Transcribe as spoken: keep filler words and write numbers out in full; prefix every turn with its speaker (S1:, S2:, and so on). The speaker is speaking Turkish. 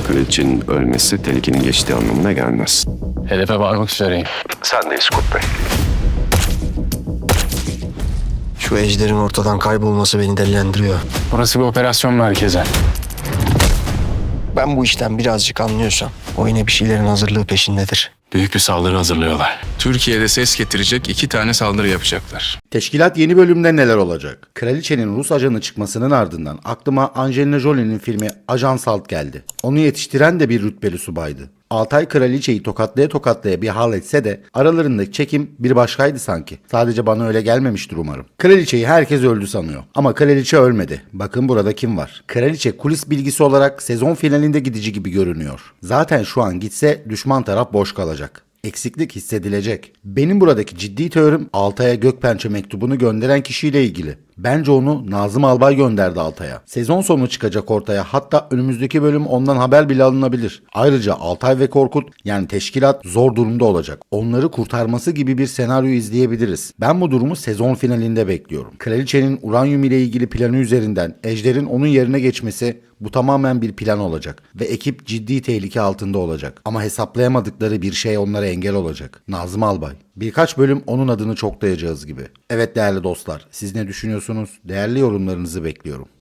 S1: Kraliçenin ölmesi tehlikenin geçtiği anlamına gelmez.
S2: Hedefe varmak üzereyim.
S1: Sendeyiz Kurt Bey.
S3: Şu ejderin ortadan kaybolması beni delilendiriyor.
S2: Burası bir operasyon merkezi.
S3: Ben bu işten birazcık anlıyorsam o yine bir şeylerin hazırlığı peşindedir.
S2: Büyük bir saldırı hazırlıyorlar.
S4: Türkiye'de ses getirecek iki tane saldırı yapacaklar.
S5: Teşkilat yeni bölümde neler olacak? Kraliçenin Rus ajanı çıkmasının ardından aklıma Angelina Jolie'nin filmi Ajan Salt geldi. Onu yetiştiren de bir rütbeli subaydı. Altay kraliçeyi tokatlaya tokatlaya bir hal etse de aralarındaki çekim bir başkaydı sanki. Sadece bana öyle gelmemiştir umarım. Kraliçeyi herkes öldü sanıyor. Ama kraliçe ölmedi. Bakın burada kim var? Kraliçe kulis bilgisi olarak sezon finalinde gidici gibi görünüyor. Zaten şu an gitse düşman taraf boş kalacak. Eksiklik hissedilecek. Benim buradaki ciddi teorim Altay'a Gökpençe mektubunu gönderen kişiyle ilgili. Bence onu Nazım Albay gönderdi Altay'a. Sezon sonu çıkacak ortaya, hatta önümüzdeki bölüm ondan haber bile alınabilir. Ayrıca Altay ve Korkut, yani teşkilat zor durumda olacak. Onları kurtarması gibi bir senaryo izleyebiliriz. Ben bu durumu sezon finalinde bekliyorum. Kraliçenin uranyum ile ilgili planı üzerinden Ejder'in onun yerine geçmesi, bu tamamen bir plan olacak ve ekip ciddi tehlike altında olacak. Ama hesaplayamadıkları bir şey onlara engel olacak. Nazım Albay. Birkaç bölüm onun adını çoklayacağız gibi. Evet değerli dostlar, siz ne düşünüyorsunuz? Değerli yorumlarınızı bekliyorum.